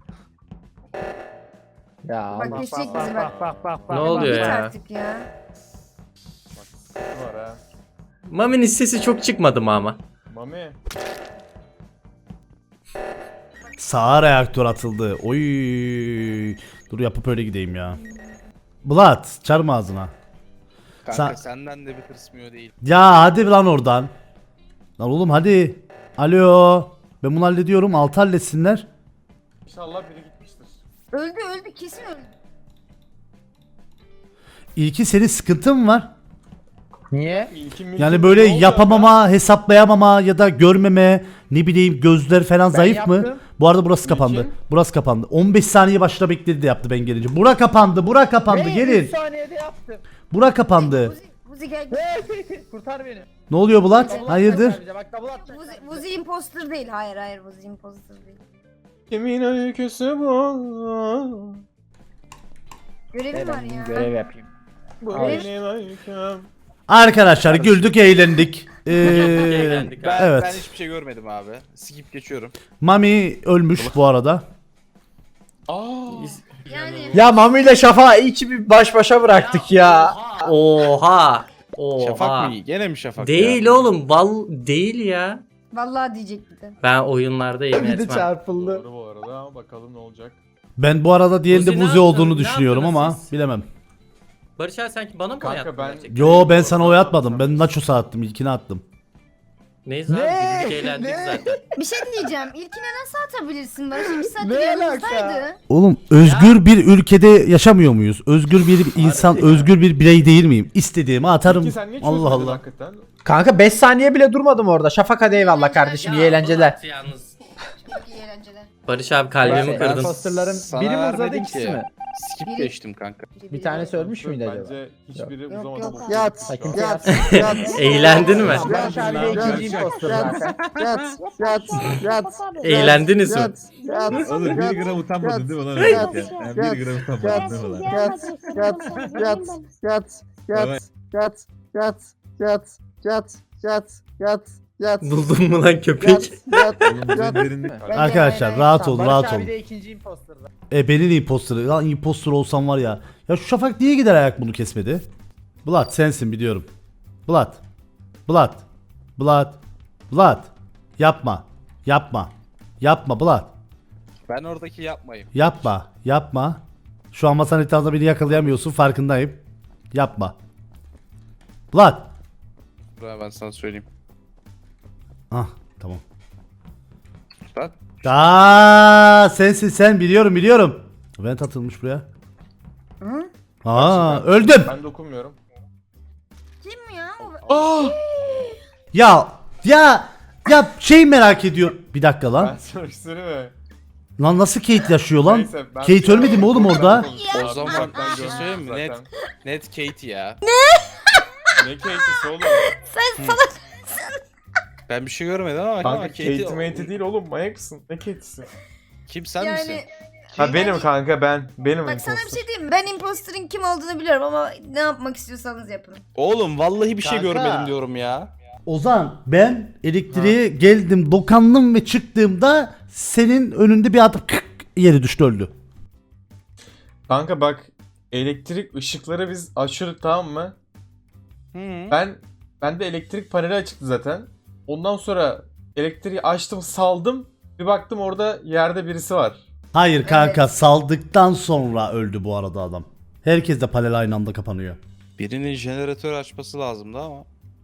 [SPEAKER 6] Ya
[SPEAKER 7] Bak
[SPEAKER 6] Allah.
[SPEAKER 7] geçecek bizi bak.
[SPEAKER 3] Bak bak bak bak.
[SPEAKER 5] Ne oluyor
[SPEAKER 7] Git
[SPEAKER 5] ya?
[SPEAKER 7] artık ya.
[SPEAKER 9] var ha?
[SPEAKER 5] Mami'nin sesi çok çıkmadı mı ama?
[SPEAKER 9] Mami.
[SPEAKER 1] Sağa reaktör atıldı. Oy. Dur yapıp öyle gideyim ya. Bulat çarma ağzına.
[SPEAKER 10] Kanka
[SPEAKER 1] Sen-
[SPEAKER 10] senden de bir tırsmıyor değil.
[SPEAKER 1] Ya hadi lan oradan. Lan oğlum hadi. Alo. Ben bunu hallediyorum. Altı halletsinler.
[SPEAKER 10] İnşallah biri gitmiştir.
[SPEAKER 7] Öldü öldü kesin öldü.
[SPEAKER 1] İlki senin sıkıntın var.
[SPEAKER 6] Niye?
[SPEAKER 1] Yani böyle yapamama, hesaplayamama ya da görmeme, ne bileyim gözler falan zayıf mı?
[SPEAKER 6] yaptım.
[SPEAKER 1] Bu arada burası kapandı. Burası kapandı. on beş saniye başta bekledi de yaptı ben gelince. Bura kapandı, bura kapandı.
[SPEAKER 6] Hey,
[SPEAKER 1] Gelin.
[SPEAKER 6] üç saniyede yaptım.
[SPEAKER 1] Bura kapandı.
[SPEAKER 7] Vuzi, Vuzi gel.
[SPEAKER 6] Kurtar beni.
[SPEAKER 1] Ne oluyor Bulat?
[SPEAKER 6] Double
[SPEAKER 1] Hayırdır?
[SPEAKER 6] atacak bize, Bak double atacak.
[SPEAKER 7] Vuzi, Vuzi imposter değil. Hayır hayır Vuzi imposter değil.
[SPEAKER 10] Kimin öyküsü bu?
[SPEAKER 7] Görevim var ya.
[SPEAKER 6] Görev yapayım.
[SPEAKER 10] Bu
[SPEAKER 7] Hayır.
[SPEAKER 10] benim öyküm.
[SPEAKER 1] Arkadaşlar güldük, eğlendik. Ee,
[SPEAKER 5] Eğlendik abi.
[SPEAKER 10] Ben,
[SPEAKER 1] Evet.
[SPEAKER 10] ben hiçbir şey görmedim abi. Skip geçiyorum.
[SPEAKER 1] Mami ölmüş bu arada.
[SPEAKER 10] Aa.
[SPEAKER 7] Yani
[SPEAKER 6] Ya Mami ile Şafak'ı iyi ki bir baş başa bıraktık ya.
[SPEAKER 5] Oha. Oha.
[SPEAKER 10] Şafak mı iyi? Gene mi Şafak
[SPEAKER 5] Değil
[SPEAKER 10] ya?
[SPEAKER 5] oğlum. Val değil ya.
[SPEAKER 7] vallahi diyecektim.
[SPEAKER 5] Ben oyunlarda yemin
[SPEAKER 6] Bir de
[SPEAKER 5] etmem.
[SPEAKER 6] çarpıldı.
[SPEAKER 10] Doğru bu arada ama bakalım ne olacak.
[SPEAKER 1] Ben bu arada diğerinde
[SPEAKER 5] Buzi ne
[SPEAKER 1] Buzi olduğunu
[SPEAKER 5] yaptınız? Ne
[SPEAKER 1] düşünüyorum ama
[SPEAKER 5] yaptınız siz?
[SPEAKER 1] bilemem.
[SPEAKER 5] Barış abi sanki bana mı oy
[SPEAKER 10] Kanka
[SPEAKER 5] attın
[SPEAKER 10] ben-
[SPEAKER 5] gerçekten?
[SPEAKER 1] Yo ben sana oy atmadım. Ben Nachos'a attım. İlkini attım.
[SPEAKER 5] Neyse abi
[SPEAKER 6] Ne?
[SPEAKER 5] güldük eğlendik
[SPEAKER 6] Ne?
[SPEAKER 5] zaten.
[SPEAKER 7] Bir şey diyeceğim. İlkine nasıl atabilirsin Barış? İki saattir
[SPEAKER 6] Ne
[SPEAKER 7] yanımızdaydı.
[SPEAKER 1] Oğlum özgür bir ülkede yaşamıyor muyuz? Özgür bir insan, özgür bir birey değil miyim? İstediğimi atarım. Allah Allah.
[SPEAKER 10] Hakikaten?
[SPEAKER 6] Kanka beş saniye bile durmadım orada. Şafak hadi eyvallah kardeşim iyi eğlenceler.
[SPEAKER 5] Bulat yalnız.
[SPEAKER 7] Çok iyi eğlenceler.
[SPEAKER 5] Barış abi kalbimi
[SPEAKER 6] Ben-
[SPEAKER 5] kırdın.
[SPEAKER 6] Imposterların
[SPEAKER 10] Sana
[SPEAKER 6] biri mi uzadı
[SPEAKER 10] vermedim
[SPEAKER 6] ikisi
[SPEAKER 10] ki.
[SPEAKER 6] mi?
[SPEAKER 10] Skip
[SPEAKER 7] Biri-
[SPEAKER 10] geçtim kanka.
[SPEAKER 6] Bir tanesi ölmüş müydü acaba?
[SPEAKER 9] Bence hiçbiri
[SPEAKER 7] Yok,
[SPEAKER 9] uzamadı.
[SPEAKER 7] yok.
[SPEAKER 9] bu-
[SPEAKER 4] Yat,
[SPEAKER 9] şu an.
[SPEAKER 6] Kimse
[SPEAKER 4] yat,
[SPEAKER 6] yat.
[SPEAKER 4] yat.
[SPEAKER 5] Eğlendin mi?
[SPEAKER 6] Barış abi de ikinci imposter zaten.
[SPEAKER 4] Yat, yat, yat.
[SPEAKER 5] Eğlendiniz mi?
[SPEAKER 4] Yat, yat.
[SPEAKER 2] Oğlum bir
[SPEAKER 4] yat,
[SPEAKER 2] gram utanmadın değil mi lan?
[SPEAKER 4] Yat,
[SPEAKER 2] öyle yani?
[SPEAKER 4] yat,
[SPEAKER 2] Yani bir gram utanmadın değil mi lan?
[SPEAKER 4] Yat, yat, yat, yat, yat, yat, yat, yat, yat, yat, yat, yat.
[SPEAKER 5] Buldun mu lan
[SPEAKER 4] Yat,
[SPEAKER 5] köpek?
[SPEAKER 4] yat,
[SPEAKER 2] Oğlum bu
[SPEAKER 4] yat.
[SPEAKER 2] derinlik.
[SPEAKER 1] Arkadaşlar rahat olun,
[SPEAKER 6] Barış
[SPEAKER 1] rahat
[SPEAKER 6] abi
[SPEAKER 1] olun.
[SPEAKER 6] de ikinci imposter.
[SPEAKER 1] E benim imposter. Lan imposter olsam var ya. Ya şu Şafak niye gider ayak bunu kesmedi? Bulat sensin biliyorum. Bulat. Bulat. Bulat. Bulat. Yapma. Yapma. Yapma Bulat.
[SPEAKER 10] Ben oradaki yapmayayım.
[SPEAKER 1] Yapma. Yapma. Şu an masanın etrafında beni yakalayamıyorsun farkındayım. Yapma. Bulat.
[SPEAKER 10] Buraya ben sana söyleyeyim.
[SPEAKER 1] Ah tamam.
[SPEAKER 10] Bak.
[SPEAKER 1] Aa sensin sen biliyorum biliyorum. Vent atılmış buraya.
[SPEAKER 7] Hı?
[SPEAKER 1] Aa öldüm.
[SPEAKER 10] Ben dokunmuyorum.
[SPEAKER 7] Kim ya? O-
[SPEAKER 10] Aa!
[SPEAKER 1] Ya ya ya şey merak ediyor. Bir dakika lan.
[SPEAKER 10] sana bir söyleyeyim mi?
[SPEAKER 1] Lan nasıl Kate yaşıyor lan?
[SPEAKER 10] Neyse, ben-
[SPEAKER 1] Kate ölmedi mi oğlum orada?
[SPEAKER 10] O zaman bak ben bir şey söyleyeyim mi? Net, net Kate ya.
[SPEAKER 9] Ne Kate'si oğlum?
[SPEAKER 7] Sen salak.
[SPEAKER 10] Ben bir şey görmedim ama
[SPEAKER 9] Kanka
[SPEAKER 10] Kate'i...
[SPEAKER 9] Kate mate değil oğlum manyak mısın? Ne Kate'si?
[SPEAKER 10] Kim sen misin?
[SPEAKER 7] Yani
[SPEAKER 9] Ha benim kanka ben. Benim
[SPEAKER 7] bak sana bir
[SPEAKER 9] imposter.
[SPEAKER 7] şey diyeyim mi? Ben imposter'ın kim olduğunu biliyorum ama ne yapmak istiyorsanız yapın.
[SPEAKER 10] Oğlum vallahi bir şey
[SPEAKER 1] Kanka.
[SPEAKER 10] görmedim diyorum ya.
[SPEAKER 1] Ozan ben elektriğe geldim dokandım ve çıktığımda senin önünde bir adam kık yere düştü öldü.
[SPEAKER 9] Kanka bak elektrik ışıkları biz açıyorduk tamam mı?
[SPEAKER 10] Hı.
[SPEAKER 9] Ben ben de elektrik paneli açıktı zaten. Ondan sonra elektriği açtım saldım. Bir baktım orada yerde birisi var.
[SPEAKER 1] Hayır kanka saldıktan sonra öldü bu arada adam. Herkes de panel aynı anda kapanıyor.
[SPEAKER 10] Birinin jeneratör açması lazımdı ama.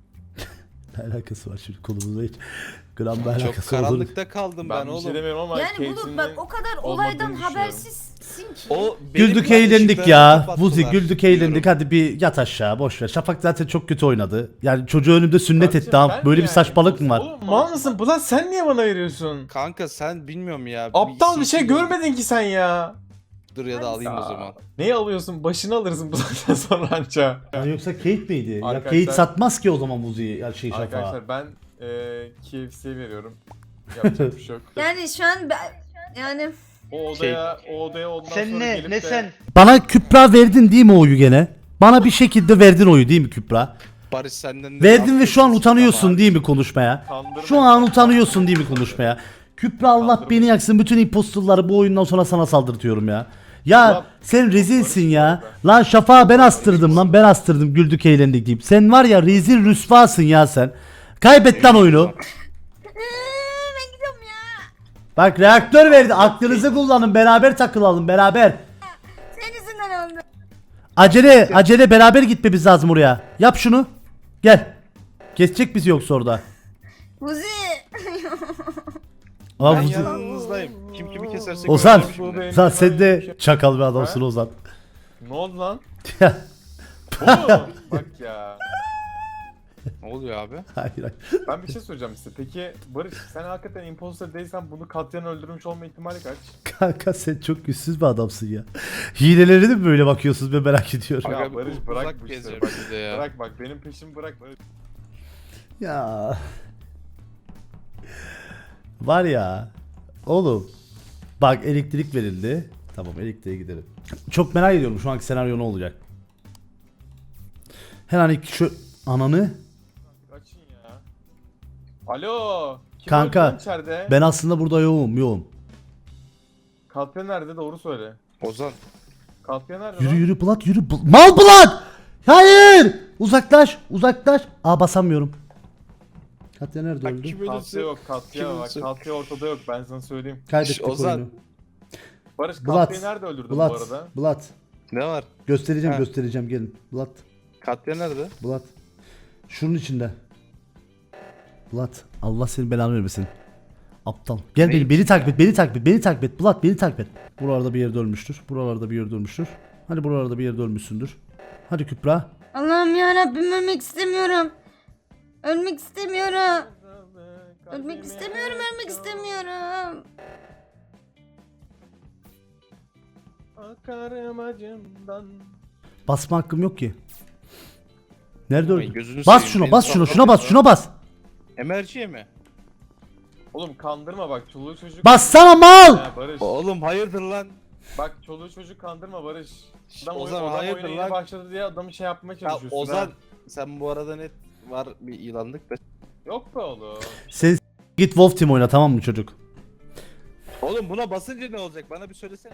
[SPEAKER 1] Ne alakası var şimdi konumuzda hiç gram bir
[SPEAKER 10] Çok
[SPEAKER 1] alakası olduğunu.
[SPEAKER 10] karanlıkta kaldım ben,
[SPEAKER 9] Ben, bir
[SPEAKER 10] oğlum.
[SPEAKER 9] şey demiyorum ama
[SPEAKER 7] Yani
[SPEAKER 9] Kate'inin
[SPEAKER 7] Bulut bak o kadar
[SPEAKER 9] olmadığını
[SPEAKER 7] olaydan
[SPEAKER 9] düşünüyorum.
[SPEAKER 7] habersizsin ki.
[SPEAKER 10] O benim
[SPEAKER 1] Güldük
[SPEAKER 10] ben
[SPEAKER 1] eğlendik
[SPEAKER 10] ışıklarımı
[SPEAKER 1] ya.
[SPEAKER 10] kapattılar.
[SPEAKER 1] Vuzi güldük eğlendik hadi bir yat aşağı boş ver. Şafak zaten çok kötü oynadı. Yani çocuğu önümde sünnet
[SPEAKER 9] Kardeşim,
[SPEAKER 1] etti ha.
[SPEAKER 9] ben
[SPEAKER 1] Böyle bir
[SPEAKER 9] yani
[SPEAKER 1] saçmalık mı var?
[SPEAKER 9] Oğlum mal mısın? Bulan sen niye bana veriyorsun?
[SPEAKER 10] Kanka sen bilmiyorum ya.
[SPEAKER 9] Aptal bir şey
[SPEAKER 10] C C
[SPEAKER 9] görmedin ki sen ya.
[SPEAKER 10] Dur ya da alayım o zaman.
[SPEAKER 9] Neyi alıyorsun? Başını alırsın bu saatten sonra anca.
[SPEAKER 1] Ya yoksa Kate miydi? Ya
[SPEAKER 9] Arkadaşlar-
[SPEAKER 1] Kate satmaz ki o zaman Vuzi'yi ya şey Şafak'a.
[SPEAKER 9] Arkadaşlar ben eee K F C'ye veriyorum. Yapacak bir şey yok.
[SPEAKER 7] Yani şu an ben, yani
[SPEAKER 9] O odaya, o odaya ondan sonra gelip de...
[SPEAKER 1] Bana Kübra verdin değil mi oyu gene? Bana bir şekilde verdin oyu değil mi Kübra?
[SPEAKER 10] Barış senden de
[SPEAKER 1] Verdin ve şu an
[SPEAKER 10] affedersin
[SPEAKER 1] utanıyorsun
[SPEAKER 10] ama-
[SPEAKER 1] değil mi konuşmaya?
[SPEAKER 9] Kandırma.
[SPEAKER 1] Şu an utanıyorsun değil mi konuşmaya? Kübra Allah beni yaksın bütün impostorları bu oyundan sonra sana saldırtıyorum ya. Ya
[SPEAKER 9] Ulan,
[SPEAKER 1] sen rezilsin ya.
[SPEAKER 9] Barış
[SPEAKER 1] Lan Şafak'ı ben astırdım lan ben astırdım güldük eğlendik deyip. Sen var ya rezil rüsvasın ya sen. Kaybet lan oyunu.
[SPEAKER 7] ben gidiyorum ya.
[SPEAKER 1] Bak reaktör verdi. Aklınızı kullanın. Beraber takılalım. Beraber.
[SPEAKER 7] Senin yüzünden oldu.
[SPEAKER 1] Acele acele beraber gitmemiz lazım oraya. Yap şunu. Gel. Kesecek bizi yoksa orada.
[SPEAKER 7] Buzi.
[SPEAKER 1] Aa,
[SPEAKER 10] Ben
[SPEAKER 1] bu-
[SPEAKER 10] yanınızdayım. Kim kimi keserse
[SPEAKER 1] Ozan.
[SPEAKER 10] görelim şimdi.
[SPEAKER 1] Ozan sen de çakal bir adamsın Ozan.
[SPEAKER 9] Ne oldu lan?
[SPEAKER 1] Ya,
[SPEAKER 9] Bu mu? Bak ya.
[SPEAKER 10] Ne oluyor abi?
[SPEAKER 1] hayır hayır.
[SPEAKER 9] Ben bir şey soracağım size. Peki Barış sen hakikaten imposter değilsen bunu katliam öldürmüş olma ihtimali kaç?
[SPEAKER 1] Kanka sen çok güçsüz bir adamsın ya. Hilelerine mi böyle bakıyorsunuz ben merak ediyorum.
[SPEAKER 9] Ya
[SPEAKER 10] Aga,
[SPEAKER 9] Barış,
[SPEAKER 10] uzak
[SPEAKER 9] bırak bu
[SPEAKER 10] geziyor
[SPEAKER 9] işleri, bak.
[SPEAKER 10] bize ya.
[SPEAKER 9] Bırak bak benim peşimi bırak Barış.
[SPEAKER 1] Ya. Var ya. Oğlum. Bak elektrik verildi. Tamam elektriğe gidelim. Çok merak ediyorum şu anki senaryo ne olacak. Her an iki şu ananı.
[SPEAKER 9] Açın ya. Alo. Kim
[SPEAKER 1] Kanka,
[SPEAKER 9] öldü lan içeride?
[SPEAKER 1] Ben aslında burada yoğum yoğum.
[SPEAKER 9] Katliam nerede doğru söyle.
[SPEAKER 10] Ozan.
[SPEAKER 9] Katliam nerede
[SPEAKER 1] Yürü
[SPEAKER 9] lan?
[SPEAKER 1] yürü Bulat yürü. Bul- Mal Bulat! Hayır! Uzaklaş uzaklaş. Aa basamıyorum. Katya nerede
[SPEAKER 10] Bak
[SPEAKER 1] öldü?
[SPEAKER 10] kim
[SPEAKER 9] Katliam
[SPEAKER 10] ölürse.
[SPEAKER 9] yok katliam
[SPEAKER 10] Kim
[SPEAKER 9] bak
[SPEAKER 10] ölürse.
[SPEAKER 9] katliam ortada yok ben sana söyleyeyim.
[SPEAKER 1] Kaybettik
[SPEAKER 10] Şş, Ozan.
[SPEAKER 1] oyunu.
[SPEAKER 9] Barış
[SPEAKER 1] Bulat,
[SPEAKER 9] katliamı nerede öldürdün bu
[SPEAKER 1] Bulat,
[SPEAKER 9] arada?
[SPEAKER 1] Bulat.
[SPEAKER 10] Ne var?
[SPEAKER 1] Göstereceğim
[SPEAKER 10] Ha.
[SPEAKER 1] göstereceğim gelin. Bulat,
[SPEAKER 10] Katya nerede?
[SPEAKER 1] Bulat. Şunun içinde. Bulat, Allah senin belanı vermesin. Aptal. Gel
[SPEAKER 10] Ne
[SPEAKER 1] beni, beni takip et, beni takip et, beni takip et. Bulat beni takip et. Buralarda bir yerde ölmüştür. Buralarda bir yerde ölmüştür. Hadi buralarda bir yerde ölmüşsündür. Hadi Kübra.
[SPEAKER 7] Allah'ım ya Rabbim ölmek istemiyorum. Ölmek istemiyorum. Ölmek istemiyorum, ölmek istemiyorum.
[SPEAKER 9] Akarım acımdan.
[SPEAKER 1] Basma hakkım yok ki. Nerede
[SPEAKER 10] Ay,
[SPEAKER 1] öldü?
[SPEAKER 10] gözünü
[SPEAKER 1] Bas
[SPEAKER 10] seveyim,
[SPEAKER 1] şuna,
[SPEAKER 10] beni
[SPEAKER 1] bas şuna,
[SPEAKER 10] sallat
[SPEAKER 1] şuna bas,
[SPEAKER 10] ya.
[SPEAKER 1] şuna bas.
[SPEAKER 10] Emerciye mi?
[SPEAKER 9] Oğlum kandırma bak çoluğu çocuk.
[SPEAKER 1] Bassana mal!
[SPEAKER 9] Ya Barış.
[SPEAKER 10] Oğlum hayırdır lan?
[SPEAKER 9] Bak çoluğu çocuk kandırma Barış.
[SPEAKER 10] Şş,
[SPEAKER 9] Adam,
[SPEAKER 10] Ozan
[SPEAKER 9] oyun, adam
[SPEAKER 10] hayırdır
[SPEAKER 9] oyuna
[SPEAKER 10] lan?
[SPEAKER 9] yeni başladı diye adamı şey yapmaya
[SPEAKER 10] Ya
[SPEAKER 9] çalışıyorsun
[SPEAKER 10] Ozan
[SPEAKER 9] ha.
[SPEAKER 10] sen bu arada net var bir ilanlık da.
[SPEAKER 9] Yok be oğlum.
[SPEAKER 1] Sen s- git Wolf Team oyna tamam mı çocuk?
[SPEAKER 10] Oğlum buna basınca ne olacak? Bana bir söylesene.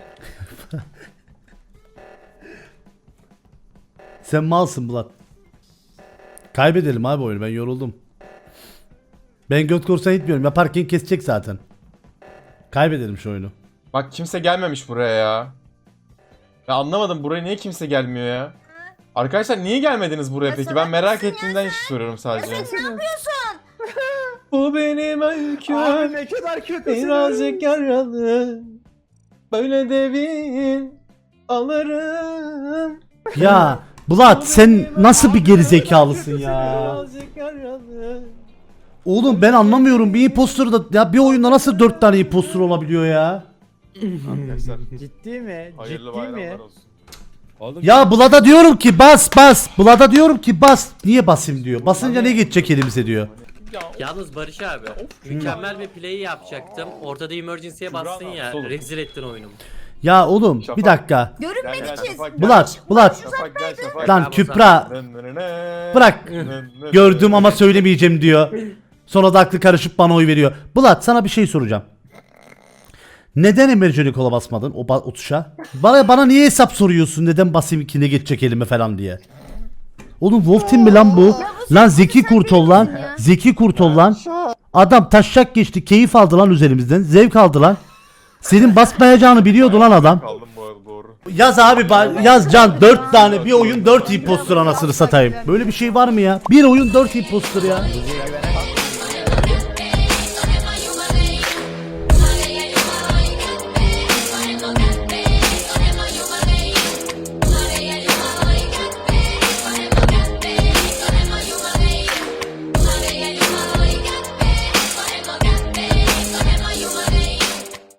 [SPEAKER 1] Sen malsın Bulat. Kaybedelim abi oyunu ben yoruldum. Ben göt korsan gitmiyorum yaparken kesecek zaten. Kaybedelim şu oyunu.
[SPEAKER 9] Bak kimse gelmemiş buraya ya. Ya anlamadım buraya niye kimse gelmiyor ya? Arkadaşlar niye gelmediniz buraya
[SPEAKER 7] Ya
[SPEAKER 9] peki?
[SPEAKER 7] sen
[SPEAKER 9] Ben merak
[SPEAKER 7] haklısın ya
[SPEAKER 9] ettiğimden hiç soruyorum
[SPEAKER 7] Ya
[SPEAKER 9] sadece.
[SPEAKER 7] sen ne yapıyorsun?
[SPEAKER 9] Bu benim öyküm.
[SPEAKER 10] ne kadar kötü.
[SPEAKER 9] Birazcık yaralı. Böyle de bir alırım.
[SPEAKER 1] Ya Bulat sen nasıl bir gerizekalısın ya?
[SPEAKER 9] Birazcık yaralı.
[SPEAKER 1] Oğlum ben anlamıyorum bir impostor da ya bir oyunda nasıl dört tane impostor olabiliyor ya?
[SPEAKER 9] Arkadaşlar
[SPEAKER 6] Ciddi mi?
[SPEAKER 9] hayırlı
[SPEAKER 6] Ciddi mi?
[SPEAKER 9] bayramlar olsun.
[SPEAKER 2] Oğlum,
[SPEAKER 1] Ya Bulat'a diyorum ki bas bas. Bulat'a diyorum ki bas. Niye basayım diyor. Basınca ne geçecek elimize diyor.
[SPEAKER 5] Yalnız Barış abi mükemmel bir play yapacaktım. Ortada emergency'ye bastın ya.
[SPEAKER 9] Oğlum.
[SPEAKER 5] Rezil ettin oyunumu.
[SPEAKER 1] Ya oğlum bir
[SPEAKER 9] Şafak.
[SPEAKER 1] dakika.
[SPEAKER 9] Gel gel
[SPEAKER 7] Görünmedik
[SPEAKER 9] Şafak gel.
[SPEAKER 1] Bulat Bulat.
[SPEAKER 9] Şafak gel Şafak.
[SPEAKER 1] Lan Kübra bırak. Gördüm ama söylemeyeceğim diyor. Sonra da aklı karışıp bana oy veriyor. Bulat sana bir şey soracağım. Neden emergency kola basmadın o, ba- o tuşa? Bana bana niye hesap soruyorsun? Neden basayım ki ne geçecek elime falan diye. Oğlum Wolf Team mi lan bu? Lan Zeki Kurtol lan. Zeki Kurtol lan. Adam taşak geçti. Keyif aldı lan üzerimizden. Zevk aldı lan. Senin basmayacağını biliyordu lan adam.
[SPEAKER 9] Kaldım bu arada doğru.
[SPEAKER 1] Yaz abi ba- yaz Can dört tane bir oyun dört impostor anasını satayım. Böyle bir şey var mı ya? Bir oyun dört impostor ya.